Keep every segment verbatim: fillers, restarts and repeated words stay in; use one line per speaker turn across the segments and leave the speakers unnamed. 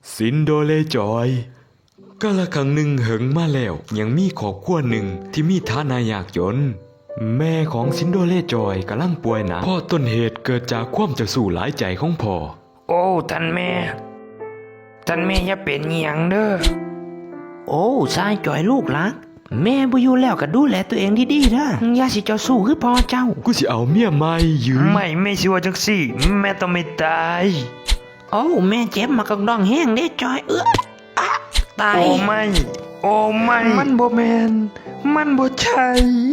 ซินโดเลจอยกาละครั้งหนึ่งเหิงมาแล้วยังมีครอบครัวหนึ่งที่มีฐานะยากจนแม่ของซินโดเลจอยกำลังป่วยหนักพ่อต้นเหตุเกิดจากความเจ้าสู้หลายใจของพ่อ
โอ้ท่านแม่ท่านแม่อย่าเป็นหยังเด้อ
โอ้ชายจ่อยลูกรักแม่บ่อยู่แล้วก็ดูแลตัวเองดีๆนะอย่าสิเจ้าสู้คือพ่อเจ้า
กูสิเอาเมียใหม่ยืม
ไม่ไม่สิว่าจังซี่แม่ต้องไม่ตาย
โอ้แม่เจ็บมากองดองแห้งเด้จอยเอื้ออะตาย
โอ้ไม่โอ้ไม่มันบ่แม่นมันบ่ใช่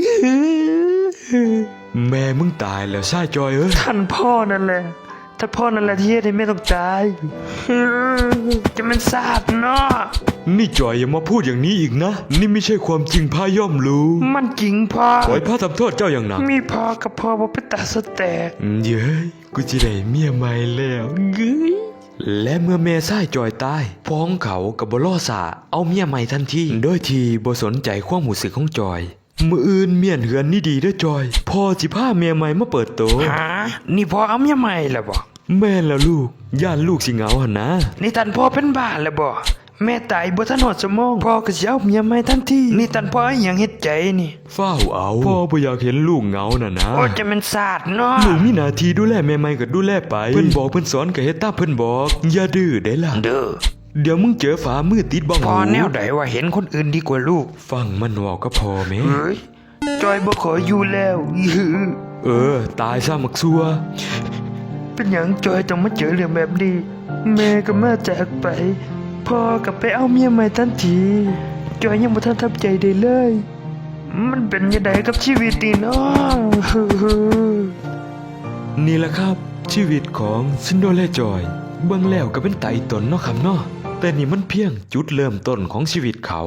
แม่มึงตายแล้วชายจอยเอ้ย
ท่านพ่อนั่นแหละท่านพ่อนั่นแหละที่เฮ็ดให้แม่ต้องตายจะมันสาบเนาะ
นี่จอยอย่ามาพูดอย่างนี้อีกนะนี่ไม่ใช่ความจริงพาย่อมรู้
มันจริงพ่อ
ขอให้พระทำโทษเจ้าอย่างหนัก
มีพ่อกับพ่อบ่เป็นตาสแตก
เย้ยกูจะได้เมียใหม่แล้วเย้ยและเมื่อแม่ชายจอยตายพ่อของเขากับบ่รอสาเอาเมียใหม่ทันทีโดยที่บ่สนใจความรู้สึกของจอยมื้ออื่นเมียนเหือนนี่ดีเด้อจอยพ่อสิพาเมียใหม่มาเปิดโต
หานี่พ่อเอาเมียใหม่แล้วบ่
แม่แล้วลูกย่านลูกสิเหงาหั่นนะ
นี่ท่านพ่อเป็นบ้าแล้วบ่แม่ตายบ่ทันหอดสมองพ่อก็สิเอาเมียใหม่ทันทีนี่ท่านพ่ออีหยังเฮ็ดใจนี่
ฟ้าวเอาพ่อบ่อยากเห็นลูกเหงาน่ะนะ
โอ้จะมันสาดเนาะ
ลูกมีหน้าที่ดูแลแม่ใหม่ก็ดูแลไปเพิ่นบอกเพิ่นสอนก็เฮ็ดตามเพิ่นบอกอย่าดื้อได้ล่ะ
เด้อ
เดี๋ยวมึงเจอฝามือติดบ้อง
พ่อแนวใดว่าเห็นคนอื่นดีกว่าลูก
ฟังมันเว้าก็พอแม่
เฮ้ยจอยบ่ขออยู่แล้ว
เออตายซะมักซัว
เป็นหยังจอยต้องมาเจอเรื่องแบบนี้แม่ก็มาจากไปพ่อก็ไปเอาเมียใหม่ทันทีจอยยังบ่ทันทำใจได้เลยมันเป็นยังไงกับชีวิตนี่เนาะ
นี่แหละครับชีวิตของซินโดเลจอยเบิ่งแล้วก็เป็นไตตนเนาะครับเนาะแต่นี่มันเพียงจุดเริ่มต้นของชีวิตเขา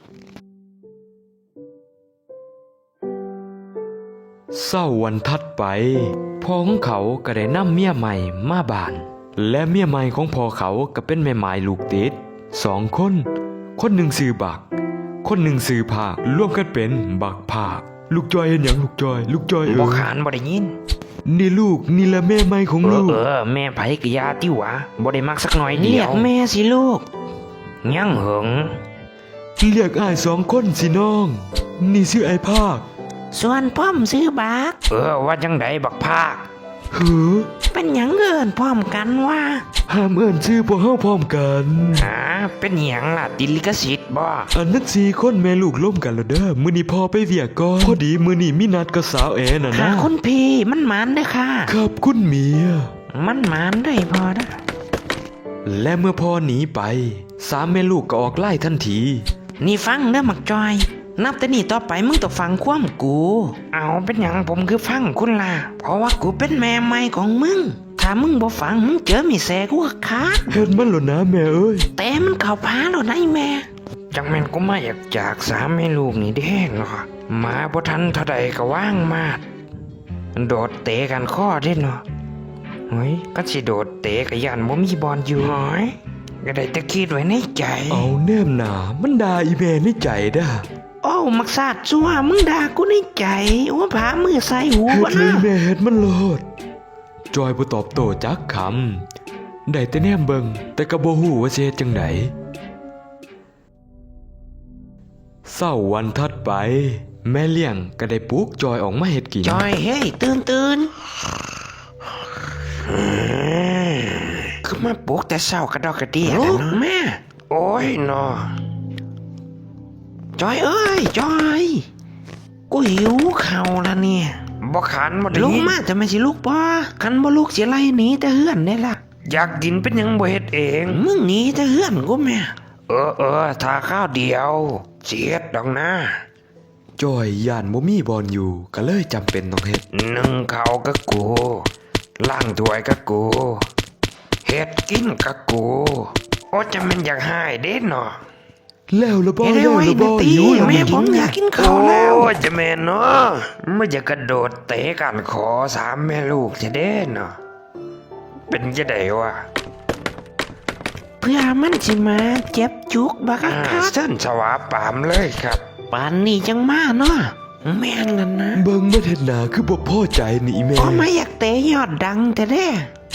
เศร้าวันถัดไปพ่อของเขาก็ได้นำเมียใหม่มาบ้านและเมียใหม่ของพ่อเขาก็เป็นแม่หมายลูกติดสองคนคนหนึ่งชื่อบักคนหนึ่งชื่อภาครวมกันเป็นบักภาคลูกจอยเห็นหยังลูกจอยลูกจอยเออ
บ่ขานบ่ได้ยิน
นี่ลูกนี่แหละแม่ใหม่ของลูก
เออแม่ไผกะยาติวะบ่ได้มักสักหน่อยเดียว
เรียกแม่สิลูก
ยังเหิง
เรียกอ้ายสองคนสิน้องนี่ชื่อไอ้ภาค
ส่วนพ่อมซื้อบัก
เออว่าจังไดบักภาค
เฮ้อ
เป็นหยังเอิ้นพร้อมกันว่า
ห้ามเอิ้นชื่อพวกเฮาพร้อมกัน
หาเป็นหยังล่ะติดลิขสิทธิ์บ่
อันนั้นสี่คนแม่ลูกล่มกันแล้วเด้อมื้อนี้พ่อไปเวียกก่อนพอดีมื้อนี้มีนัดกับสาวแอน่ะนะ
คุณพี่มันหมานเด้อค่ะ
ครับคุณเมีย
มันหมานได้พอนะ
และเมื่อพ่อหนีไปสามแม่ลูกก็ออกไล่ทันที
นี่ฟังเด้อมักจอยนับแต่นี่ต่อไปมึงต้องฟังความกู
เอาเป็นหยังผมคือฟังคุณล่ะ
เพราะว่ากูเป็นแม่ใหม่ของมึงถ้ามึงบ่ฟังมึงเจอมีแสกูก็ขาด
เห็นมันหรอนะแม่เอ้ย
แต่มันเข้าพาแล้วนะไอ้แม่
จังแม่นกูมาอยากจากสามแม่ลูกนี่เด้งเนาะมาบ่ทันเท่าใดก็ว่างมาดโดดเตะกันข้อเด้เนาะเฮ้ยก็สิโดดเตะก็ย่านบ่มีบอลอยู่หอยก็ได้แต่คิดไว้ในใจ
เอาแนมหนามันด่าอีแม่ในใจด้า
โอ้มักซาดซัวมึงด่ากูในใจว่าผามือใส่หู
วะนะเฮ็ดเลยแม่เฮ็ดมันโลดจอยบ่ตอบโต้จักคำได้แต่แนมเบิ่งแต่ก็บ่ฮู้ว่าสิเฮ็ดจังไดเช้าวันถัดไปแม่เลี้ยงก็ได้ปลุกจอยออกมาเฮ็ดกิน
จอยเฮ้ยตื่นตื่น
คือมาปลุกแต่เช้ากระดอกกระเดี่ยแล้วเนาะแม่โอ้ยเนาะ
จอยเอ้ยจอยกูหิวข้าวแล้วเนี่ย
บ่ขันบ่ได้
ลุกมาจะไม่สิลูกบ่คันบ่ลูกสิไล่หนีแต่เฮือนได้ล่ะ
อยากกินเป็นหยังบ่เฮ็ดเอง
มึงหนีแต่เฮือนกูแม่
เออเออถ้าข้าวเดียวเสียดดอกนะ
จอยย่านบ่มีบอลอยู่ก็เลยจำเป็นต้องเฮ็ด
นึ่งข้าวกับกูล้างถ้วยกับกูเฮ็ดกินกับกูโอ้จะมันอยากหายเด้เนาะ
แล้วละบ่แล้วละบ่หิว
แม่ผมอยากกินข้าวแล้ว
โอ้จะแม่เนาะไม่อยากกระโดดเตะกันขอสามแม่ลูกจะเด้เนาะเป็นจะได้วะ
เพื่อมันสิมาเจ็บจุกบักคัก
เส้นสวาปามเลยครับ
ปานนี้จังมาเนาะแม่นกันนะ
เบิ่งบ่เฮ็ดหน้าคือบ่พอใจนี่แม่
อ๋อไม่อยากเตะยอดดังแต่เด้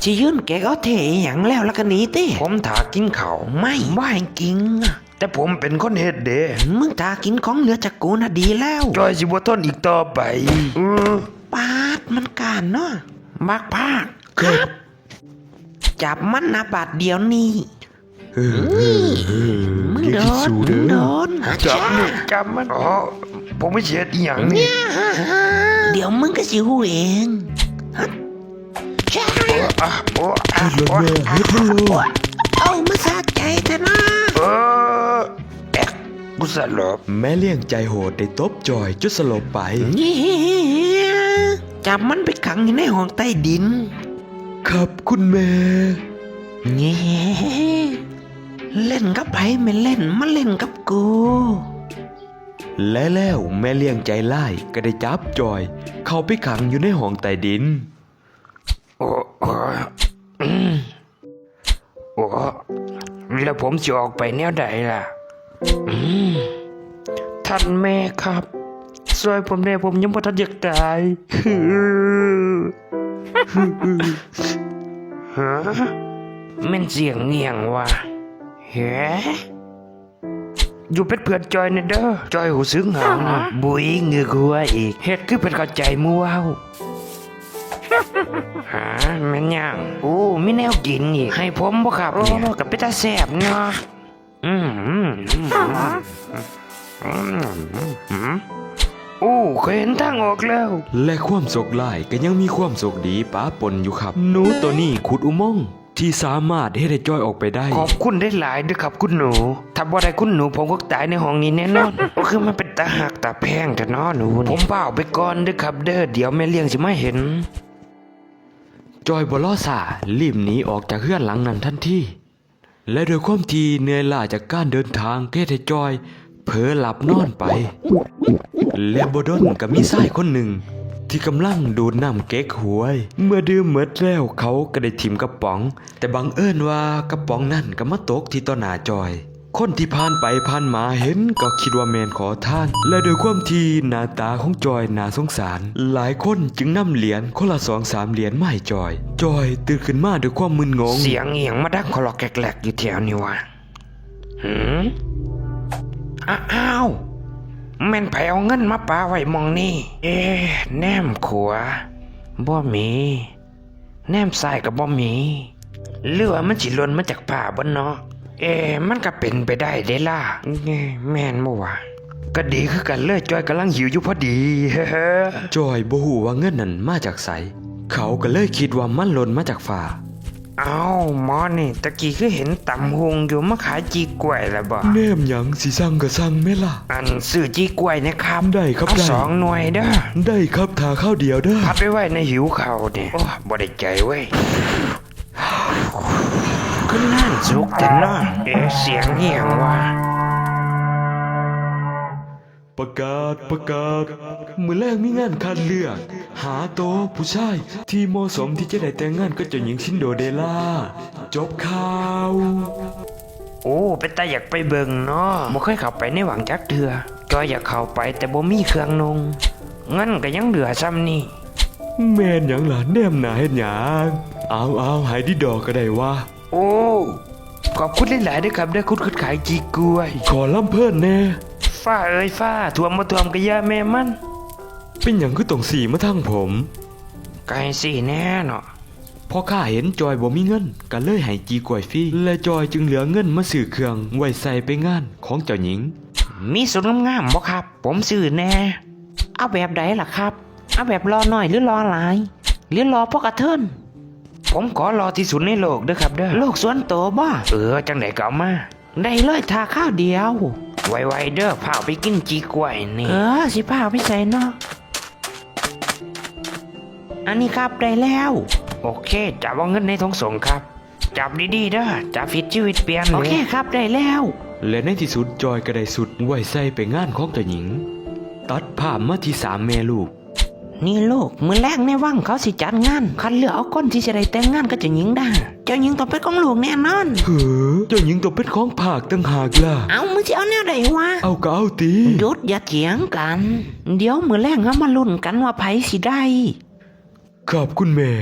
สิยืนแกก็เทอหย่างแล้วแล้วก็หนีติ
ผมถากินเขาว
ไม่ว่าให้กิงอะ
แต่ผมเป็นคนเฮ็ดเด้
มึงตากินของเหลือจากกูน่ะดีแล้ว
จอยสิบ่ทนอีกต่อไปเออ
ปาดมันการเนาะบักภาคครับ จับมันนะบาดเดียวนี่
เออเออเออ
มึง
อย่า
โด
คิด
น
สู
มึ
เด้
งโด
อน
จับนี่จับมันอ๋อผมไม่เช็ดอีหยังนี่
เดี๋ยวมึงก็สิหูเองฮะใช่
อ่ะโอ้อ่ะ
เฮ็ดแล้ว
โอ้
แม่เฮ็ดแล้วลูก
เอามาสะใจเถอะนะ
เออแอ๊กกูสลบ
แม่เลี้ยงใจโหดได้ตบจอยจนสลบไป
นี่จับมันไปขังอยู่ในห้องใต้ดิน
ครับคุณแม่
เงี้เล่นกับไผไม่เล่นมาเล่นกับกู
และแล้วแม่เลี้ยงใจไล่ก็ได้จับจอย เข้าไปขังอยู่ในห้องใต้ดิน
โอ้โอ้อืมโอ้แล้วผมจะออกไปแนวใดล่ะอืมท่านแม่ครับช่วยผมแน่ผมยังบ่ทันอยากตายฮะแมันเสียงเงียงว่ะเฮ้อยู่เป็นเพื่อนจอยเนี่ยเด้อจอยหูซึ้งเหงานะบุยเงือกหัวอีกเฮ็ดคือเป็นเข้าใจมัวเอาหาแม่นยังโอ้มีแนวกินอีกให้ผมบ่ครับเนี่ยกับเป็นตาแซ่บเนาะอืมอืมอืมอืมอืมโอ้เคยเห็นทางออกแล้ว
และความโศกร้ายก็ยังมีความโศกดีป้าปนอยู่ครับ หนูตัวนี้ขุดอุโมงค์ที่สามารถให้ได้จอยออกไปได้
ขอบคุณได้หลายด้วยครับคุณหนู ถ้าบ่ได้คุณหนูผมก็ตายในห้องนี้แน่นอน ก็คือมันเป็นตาหักตาแพงแต่น้อหนูนี่ผมเปล่าไปก่อนเด้อครับเด้อเดี๋ยวแม่เลี้ยงสิมาเห็น
จอยบลอสารีบหนีออกจากเฮือนหลังนั้นทันทีและโดวยความที่เหนื่อยล้าจากการเดินทางเทให้จอยเผลอหลับนอนไป และบดนก็มีชายคนหนึ่ง ที่กำลังดูดน้ำเก๊กหวย เมื่อดื่มหมดแล้วเขาก็ได้ถิ่มกระป๋อง แต่บังเอิญว่ากระป๋องนั่นก็มาตกที่ต่อหน้าจอย คนที่ผ่านไปผ่านมาเห็นก็คิดว่าแมนขอทาน และโดยความที่หน้าตาของจอยน่าสงสาร หลายคนจึงนำเหรียญคนละสองสามเหรียญมาให้จอย จอยตื่นขึ้นมาด้วยความมึนงง
เสียงเอียงมาดังคลอกแกลกๆอยู่แถวนี้วะหืมอ้าวแม่นไผเอาเงินมาปาไว้หมองนี่ เอ๊ะแนมขวาบ่มี แนมซ้ายก็บ่มีหรือว่ามันสิหล่นมาจากผ้าบ่เนาะ เอ๊ะมันก็เป็นไปได้เด้ล่ะเอ้แม่นบ่วะก็ดีคือกันเลยจอยกำลังหิวอยู่พอดี
จอยบ่ฮู้ว่าเงินนั้นมาจากไสเขาก็เลยคิดว่ามันหล่นมาจากฟ้า
เอาหมอนี่ตะกี้คือเห็นตำหงอยู่มาขายจีกล้วยแล้วบ่
แนมหยังสิสั่งก็สั่งแม่ล่ะ
อันซื้อจีกล้วยนะครับ
ได้ครับ
เอา
ได้
สองหน่วยเด้อ
ได้ครับทาข้าวเดียวเด้อ
พัดไว้ไว้ในหิวเข่าวเนี่ยโอ้บ่ได้ใจเว้ยขึ้นนั่นสุกแต่นอนเอ๊ะเสียงเหี่ยงว่ะ
ประกาศประกาศมือแรกมีงานคัดเลือก หาโตวผู้ชายที่เหมาะสมที่จะได้แต่งงานกับเจ้าหญิงชินโดเดล่าจบข่าว
โอ้เป็นตาอยากไปเบิ่งเนาะบ่เคยเข้าไปในหวังจักเถื่อจอยอยากเข้าไปแต่บ่มีเครื่องนุ่งงั้นก็ยังเหลือซ้ำนี่
แม่นหยังล่ะแนมหนาเฮ็ดหยังเอาเอาหายดีดอกก็ได้ว่า
โอ้ขอบคุณหลายๆด้วยครับได้คุณคุณขายจีกล้วย
ขอล่ำเพิ่นแน่
ฟ้าเอ้ยฟ้าท่วมมาท่วมก็อย่าแม่มัน
เป็นหยังคือต้องสีมาทางผม
ไก่สิแน่เนาะ
พอข้าเห็นจอยบ่มีเงินก็เลยให้จีกล้วยฟรีและจอยจึงเหลือเงินมาซื้อเครื่องไว้ใส่ไปงานของเจ้าหญิง
มีสุดงามๆบ่ครับ ผมซื้อแน่
เอาแบบใดล่ะครับ เอาแบบรอหน่อยหรือรอหลาย หรือรอพวกกระเทิน
ผมขอรอที่สุดในโลกเด้อครับเด้อ
โลกส่วนโตวบ่
เออจังไหนก็เอามา
ได้เลยทาข้าวเดียว
ไวๆเด้อพาไปกินจีกล้วยนี่
เออสิพาไปใส่เนาะอันนี้ครับได้แล้ว
โอเคจับเอาเงินในทงส่งครับ จับดีๆเด้อจับผิดชีวิตเปลี่ยน
โอ
เลย
เคครับได้แล้ว
และในที่สุดจอยก็ได้สุดไว้ใส่ไปงานของเจ้าหญิง ตัดภาพมาที่สามแม่ลูก
นี่ลูกมือแรกในวังเขาสิจัดงานคัดเลือกเอาคนที่จะได้แต่งงานกับเจ้าหญิงได้เจ้าหญิงต้องเป็นของลูกแน่นอน
เฮ้อเจ้าหญิงต้องเป็นของภาคตั้งหากล่ะ
เอามึงจะเอาแนวใดวะ
เอาก็เอาตี
หยุดอย่าเถียงกัน เดี๋ยวมือแรกเอามาลุ้นกันว่าไผสิได้
ขอบคุณแม่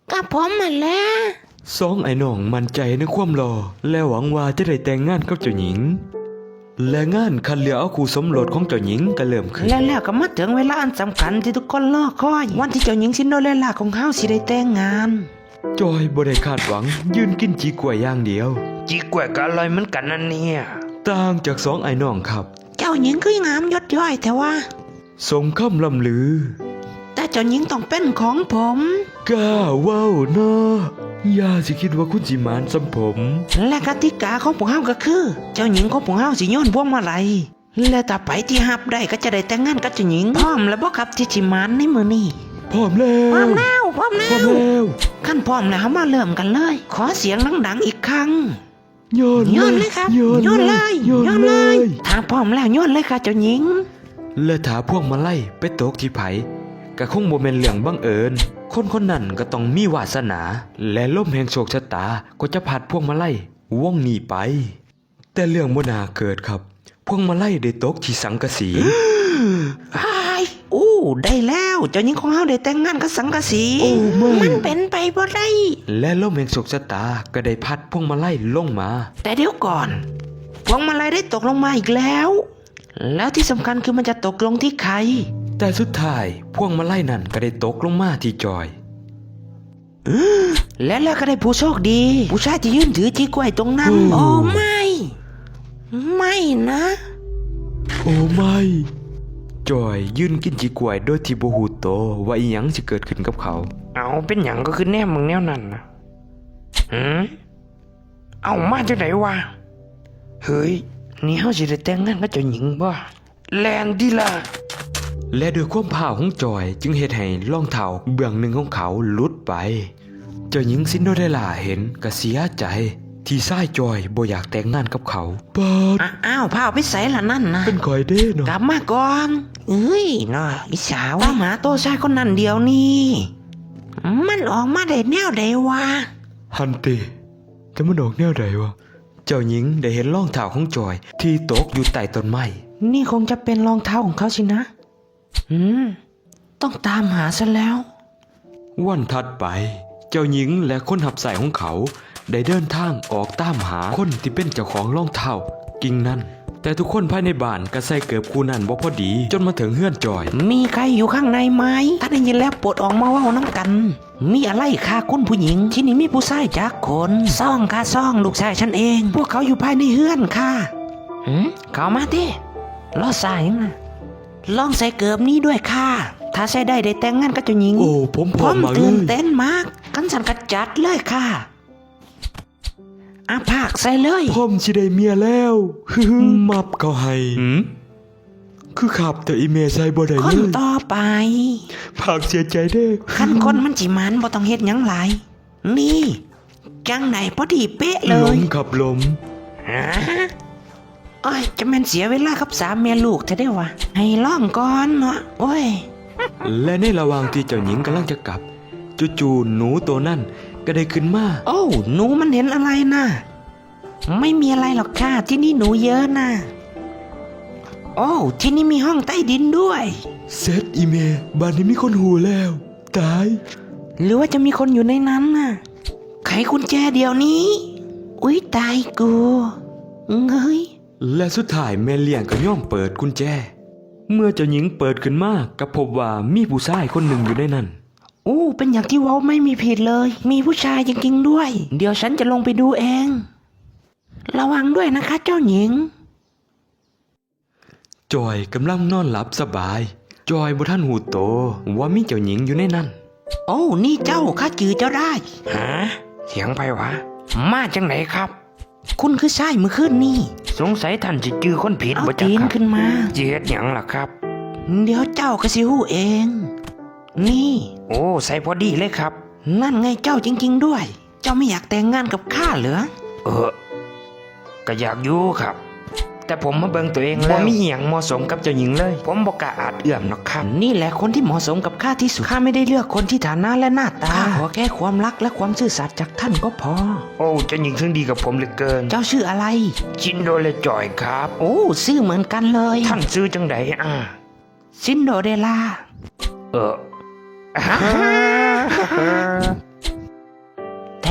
ก็ผมมาแล้ว
สองไอ้น้องมั่นใจในความรอและหวังว่าจะได้แต่งงานกับเจ้าหญิง และงานคัดเลือกเอาคู่สมรสของเจ้าหญิงก็เริ่มขึ้น
แล้วแล้วก็มาถึงเวลาอันสำคัญที่ทุกคนรอคอย วันที่เจ้าหญิงซินโดเรลล่าของเฮาสิได้แต่งงาน
จอยบ่ได้คาดหวังยืนกินจีกล้วยอย่างเดียว
จีกล้วยก็อร่อยเหมือนกันนั่นเนี่ย
ต่างจากสองไอ้น้องครับ
เจ้าหญิงคืองามยศย่อยแต่ว่า
สมคำลำลือ
แต่เจ้าหญิงต้องเป็นของผม
กล้าเว้าเนาะอย่าสิคิดว่าคุณสิหมานสำผม
และกติกาของพวกเฮาก็คือ เจ้าหญิงของพวกเฮาสิโยนพวงมาลัยและถ้าไปที่ฮับได้ก็จะได้แต่งงานกับเจ้าหญิงพร้อมแล้วบ่ครับที่สิหมานในมื้อนี้
พร้อมแล้ว
พร้อมแล้วพร้อมแล้
พร้อม
ว
แล้ว
ขั้นพร้อมแล้วเฮามาเริ่มกันเลย ขอเสียงดังๆอีกครั้ง
โยน
โยนเลยครับ
โยน
โยนเลย
โยน
โยน
เล
เลย ยถ้าพร้อมแล้วโยนเลยค่ะเจ้าหญิง
และถาพวกมาไล่ไปตกที่ไผก็คงบ่แม่นเรื่องบังเอิญ คนคนนั้นก็ต้องมีวาสนา และลมแห่งโชคชะตาก็จะพัดพวกมาไล่วงหนีไป แต่เรื่องบ่น่าเกิดครับ พวกมาไล่ได้ตกที่สังกะสี
ไอ้ายอู้ได้แล้วเจ้าหญิงของเฮาได้แต่งงานกับสังกะสี
โอ้ไม่
มันเป็นไปบ่ได้
และลมแห่งโชคชะตาก็ได้พัดพวกมาไล่ลงมา
แต่เดี๋ยวก่อน พวงมาลัยได้ตกลงมาอีกแล้ว แล้วที่สำคัญคือมันจะตกลงที่ใคร
แต่สุดท้ายพวกมาไล่นั่นก็ได้ตกลงมาที่จอย
และแล้วก็ได้ผู้โชคดี ผู้ชายที่ยืนถือจีกล้วยตรงนั้น
โอ้
โอ้ไม่ ไม่นะ
โอ้ไม่จอยยืนกินจีกล้วยโดยที่บ่ฮู้โตวว่าอีหยังสิเกิดขึ้นกับเขา
เอาเป็นหยังก็คือแนมมึงแนวนั้นนะหืมเอามาจากไหนวะเฮ้ยนี่เฮาสิได้แต่งงานกับเจ้าหญิงบ่แลนดีล่ะ
และด้วยความผ่าวของจอยจึงเหตุให้รองเท้าเบื้องหนึ่งของเขาหลุดไป เจ้าหญิงซินโดเรลล่าเห็นก็เสียใจ ที่ชายจอยบ่อยากแต่งงานกับเขาปาด
อ่ะอ้าวพาเอาไปใส่ละนั่นนะ
เป็นคอยเด้เนาะ
กลับมาก่อน เอ้ยน่อยอีสาวตามหาตัวชายคนนั้นเดียวนี่มันออกมาได้แนวใดวะ
ฮันติจะมันออกแนวใดวะเจ้าหญิงได้เห็นรองเท้าของจอยที่ตกอยู่ใต้ต้นไม้
นี่คงจะเป็นรองเท้าของเขาสินะ อืม ต้องตามหาซะแล้ว
วันถัดไป เจ้าหญิงและคนหับใส่ของเขา ได้เดินทางออกตามหาคนที่เป็นเจ้าของรองเท้ากิ่งนั้น แต่ทุกคนภายในบ้านก็ใส่เกือบคู่นั้นบ่พอดี จนมาถึงเฮือนจอย
มีใครอยู่ข้างในไหมถ้าได้ยินแล้วปลดออกมาเว่าน้ำกัน มีอะไรค่ะคุณผู้หญิง ที่นี่มีผู้ชายจักคนซ่องค่ะซ่องลูกชายฉันเอง พวกเขาอยู่ภายในเฮือนค่ะหืมเข้ามาดิล้อสายยังนะลองใส่เกือบนี้ด้วยค่ะ ถ้าใส่ได้ได้แต่งงานกับเจ้าหญิง
โอ้ผมพ
ผ
ร้อม
ม
มากเล
ตื่น
ย
เต้นมาก กันสันกระจัดเลยค่ะอาภาคใส่เลย
ผมสิได้เมียแล้ว ฮึมมับเขาให้หืมคือขับแต่อีเมลใส่บ่ได้
ค
เล
น
ย
ต่อไป
ภาคเสียใจเด้อ
ขั้นคนมันจิมันบ่ต้องเฮ็ดหยังหลาย นี่จังไหนพอดีเป๊ะเล
ล
ย
มขับลม
ฮะโอ้ยจะแม่นเสียเวลากับสามเมียลูกเธอได้วะให้ล่องก่อนเนาะโอ้ย
และในระหว่างที่เจ้าหญิงกำลังจะกลับจู่ๆหนูตัวนั่นก็ได้ขึ้นมา
โอ้หนูมันเห็นอะไรนะไม่มีอะไรหรอกค่ะที่นี่หนูเยอะนะโอ้ที่นี่มีห้องใต้ดินด้วย
เซตอีเมลบ้านนี้มีคนหูแล้ว ตาย
หรือว่าจะมีคนอยู่ในนั้นน่ะไขกุญแจเดี๋ยวนี้ อุ๊ยตายกูเฮ้ย
และสุดท้ายแม่เลี้ยงก็ย่อมเปิดกุญแจ เมื่อเจ้าหญิงเปิดขึ้นมาก็พบว่ามีผู้ชายคนหนึ่งอยู่ในนั้น
อู้เป็นอย่างที่เว้าไม่มีผิดเลย มีผู้ชายจริงๆด้วย เดี๋ยวฉันจะลงไปดูเอง ระวังด้วยนะคะเจ้าหญิง
จอยกำลังนอนหลับสบาย จอยบ่ทันหูโตว่ามีเจ้าหญิงอยู่ในนั้น
โอ้นี่เจ้าข้าจือเจ้าได้
ฮะเสียงไผวะ มาจากไหนครับ
คุณคือชายเมื่อคืนนี่
สงสัยท่านจะจื้อคนผิด
เอา
บ่จัก
ตีน
ครับ
ขึ้นมา
สิเฮ็ดหยังล่ะครับ
เดี๋ยวเจ้าก็สิหู้เอง นี่
โอ้ใส่พอดีเลยครับ
นั่นไงเจ้าจริงๆด้วย เจ้าไม่อยากแต่งงานกับข้าเหรอ
เออก็อยากอยู่ครับ แต่ผมมาเบิ่งตัวเองแล้วบ่มีหยังเหมาะสมกับเจ้าหญิงเลย ผมบ่กล้าอาจเอื้อมหรอกครับ
นี่แหละคนที่เหมาะสมกับข้าที่สุด ข้าไม่ได้เลือกคนที่ฐานะและหน้าตาข้าขอแค่ความรักและความซื่อสัตย์จากท่านก็พอ
โอ้เจ้าหญิงซึ่งดีกับผมเหลือเกิน
เจ้าชื่ออะไร
ชินโดเลจอยครับ
โอ้ชื่อเหมือนกันเลย
ท่านซื้อจังไดอ่ะ
ซินโดเรลล่า
เออ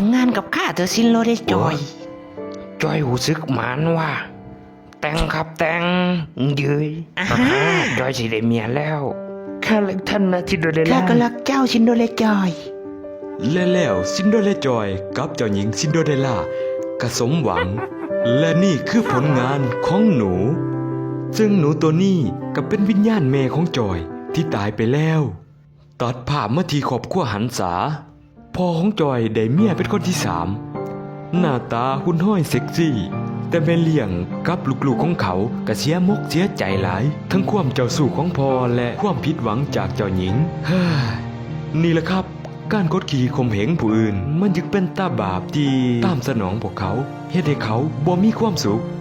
งงานกับข้าเธอซินโลได้จอย
จอยหูซึกหมานว่า แต่งครับแต่งเยืย
อ่า
อ่า
ฮะ
จอยสิได้เมียแล้วข้ารักท่านนะจินโดเรล
ข้า
ล่า
ก็รักเจ้าซินโดเลจอย
และแล้วซินโดเรลล่าจอยกับเจ้าหญิงซินโดเรลล่าก็สมหวัง และนี่คือผลงานของหนู ซึ่งหนูตัวนี้ก็เป็นวิญญาณแม่ของจอยที่ตายไปแล้ว ตัดภาพมาที่ครอบครัวหันษาพ่อของจอยได้เมียเป็นคนที่สามหน้าตาหุ่นห้อยเซ็กซี่ แต่แม่เลี้ยงกับลูกๆของเขาก็เสียมกเสียใจหลาย ทั้งความเจ้าสู้ของพ่อและความผิดหวังจากเจ้าหญิงเฮ้ยนี่แหละครับ การกดขี่ข่มเหงผู้อื่น มันจึงเป็นตาบาปที่ตามสนองพวกเขาเฮ็ดให้เขาบ่มีความสุข